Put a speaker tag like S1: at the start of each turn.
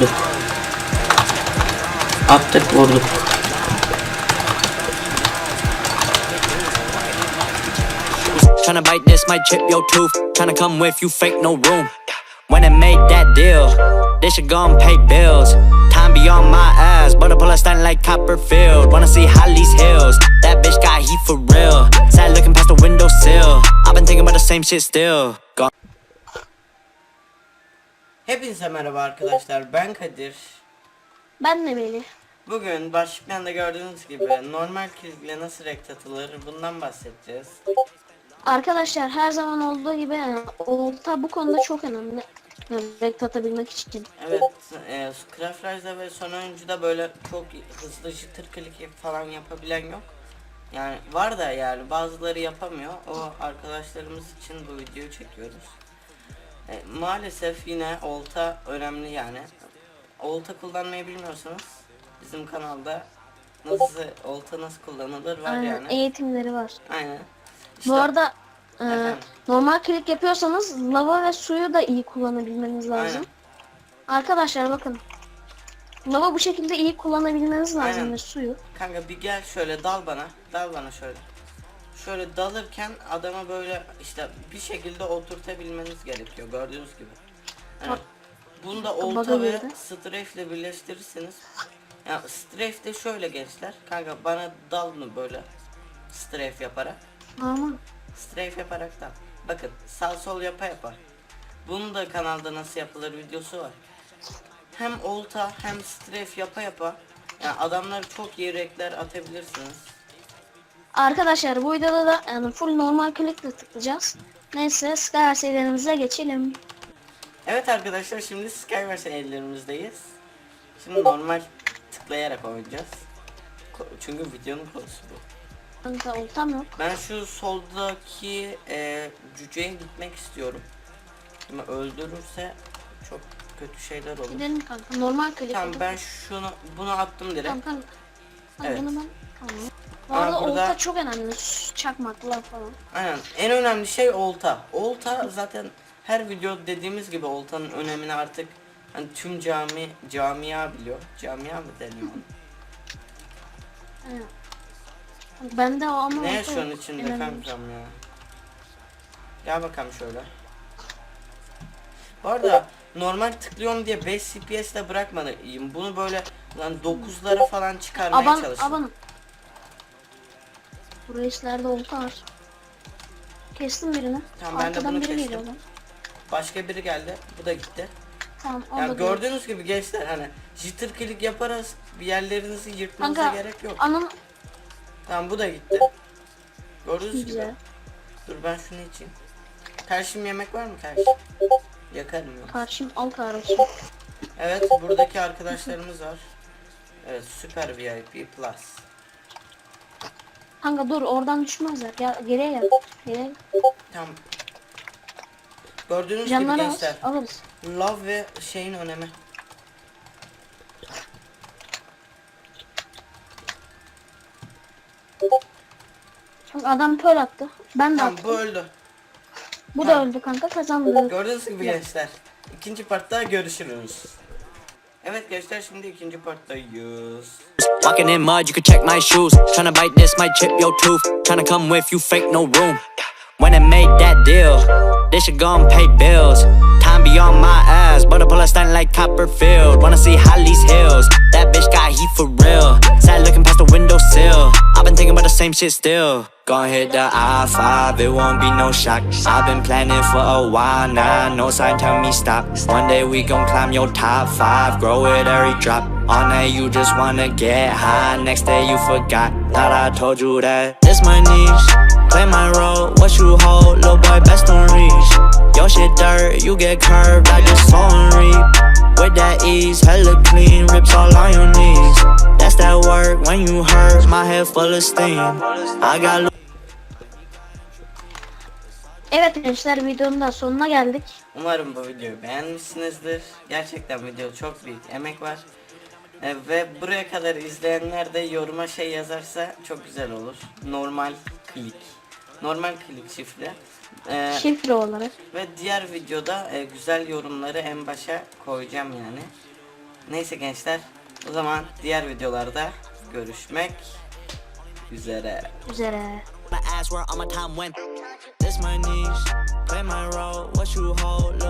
S1: vurduk. Attık vurduk.
S2: Tryna bite this, might chip your tooth. Tryna come with you, fake no room. When I made that deal, they should go and pay bills. Time be on my ass, but I pull a stunt like Copperfield. Wanna see Holly's hills? That bitch got heat for real. Sad looking past the windowsill. I've been thinking about the same shit still. Gone.
S3: Hepinize merhaba arkadaşlar, ben Kadir.
S4: Ben de Melih.
S3: Bugün başlıktan da gördüğünüz gibi normal klikle nasıl renk atılır bundan bahsedeceğiz.
S4: Arkadaşlar her zaman olduğu gibi olta bu konuda çok önemli. Renk atabilmek için.
S3: Evet, Craft Rise'da ve son oyuncuda böyle çok hızlı jitter klik falan yapabilen yok. Yani var da yani bazıları yapamıyor. O arkadaşlarımız için bu videoyu çekiyoruz. Maalesef yine olta önemli yani. Olta kullanmayı bilmiyorsanız bizim kanalda olta nasıl kullanılır var
S4: Aynen,
S3: yani.
S4: eğitimleri var.
S3: Aynen. İşte,
S4: Bu arada
S3: efendim?
S4: normal klik yapıyorsanız lava ve suyu da iyi kullanabilmeniz lazım.
S3: Aynen.
S4: Arkadaşlar bakın. Lava bu şekilde iyi kullanabilmeniz lazım
S3: Aynen.
S4: ve suyu.
S3: Kanka bir gel şöyle dal bana şöyle. Şöyle dalırken adama böyle işte bir şekilde oturtabilmeniz gerekiyor gördüğünüz gibi. Yani bunu da olta
S4: Baga
S3: ve
S4: girdi.
S3: strafe ile birleştirirseniz. Ya strafe de şöyle gençler. Kanka bana dal mı böyle strafe yaparak.
S4: Ama
S3: Strafe yaparak da. Bakın sağ sol yapa. Bunun da kanalda nasıl yapılır videosu var. Hem olta hem strafe yapa. Yani adamları çok iyi renkler atabilirsiniz.
S4: arkadaşlar bu videoda da yani full normal klikle tıklayacağız. Neyse Skyward serilerimize geçelim.
S3: Evet arkadaşlar şimdi Skywars ellerimizdeyiz. Şimdi normal tıklayarak oynayacağız. Çünkü videonun konusu bu.
S4: Kanka oltam yok.
S3: Ben şu soldaki cüceye gitmek istiyorum. Şimdi öldürürse çok kötü şeyler olur.
S4: Gidelim kanka normal klik.
S3: Tamam ben bunu attım direkt.
S4: Tamam kanka.
S3: Evet.
S4: Bunu ben tamam. Bu
S3: Aa,
S4: arada
S3: burada-
S4: olta çok önemli. Çakmaklar falan.
S3: Aynen en önemli şey olta. Olta zaten her video dediğimiz gibi oltanın önemini artık hani tüm camia biliyor. Camia mı deniyor ona?
S4: Evet. Bende o ama
S3: Ne
S4: olta
S3: yaşıyorsun
S4: yok.
S3: içinde
S4: Önemli.
S3: kankam ya? Gel bakalım şöyle. Bu arada normal tıklıyorum diye 5 CPS'de bırakmalıyım. Bunu böyle lan 9'lara falan çıkarmaya çalıştım.
S4: Aban. Bu reislerde olta var. Kestim birini.
S3: Tamam, ben de
S4: Arkadan
S3: bunu
S4: biri
S3: kestim.
S4: geliyor lan.
S3: Başka biri geldi. Bu da gitti.
S4: Tamam o
S3: Ya
S4: da
S3: gördüğünüz gibi gençler hani jitter click yaparız bir yerlerinizi yırtmanıza
S4: kanka,
S3: gerek yok.
S4: Anam
S3: Tamam bu da gitti. Gördüğünüz gibi.
S4: güzel.
S3: Dur ben şunu içeyim. Karşım yemek var mı karşı? Yakarım yok.
S4: Karşım al kardeşim.
S3: Evet buradaki arkadaşlarımız var. Evet süper VIP plus.
S4: Kanka dur oradan düşmezler. Gel geriye gel. Geriye.
S3: Tamam. Gördüğünüz gibi
S4: Canları
S3: gençler.
S4: alırız.
S3: Love ve şeyin önemi.
S4: Kanka adam pöl attı. Ben de
S3: Tamam
S4: attım.
S3: bu öldü.
S4: Bu
S3: tamam.
S4: da öldü kanka kazandı.
S3: Gördüğünüz gibi gençler. İkinci partta görüşürüz. Evet gençler şimdi ikinci parttayız.
S2: Walking in mud, you can check my shoes. Tryna bite this, might chip your tooth. Tryna come with you, fake no room. When I made that deal, they should go and pay bills. Time be on my ass, but I pull a stunt like Copperfield. Wanna see Holly's hills? That bitch got heat for real. Sad looking past the windowsill. I've been thinking about the same shit still. Gonna hit the I-5, it won't be no shock. I've been planning for a while now, no sign tell me stop. One day we gon' climb your top 5, grow it every drop. On that you just wanna get high, next day you forgot. Thought I told you that this my niche. Play my role, what you hold, little boy best don't reach. Your shit dirt, you get curved, I just sow and reap. With that ease, hella clean, rips all on your knees. That's that work, when you hurt, my head full of steam. I got
S4: Evet gençler videonun da sonuna geldik.
S3: Umarım bu videoyu beğenmişsinizdir. Gerçekten video çok büyük emek var. Ve buraya kadar izleyenler de yoruma şey yazarsa çok güzel olur. Normal klik. Normal klik şifre.
S4: Şifre olarak.
S3: Ve diğer videoda güzel yorumları en başa koyacağım yani. Neyse gençler, o zaman diğer videolarda görüşmek üzere.
S2: My ass where all my time went. This my niche, play my role, what you hold.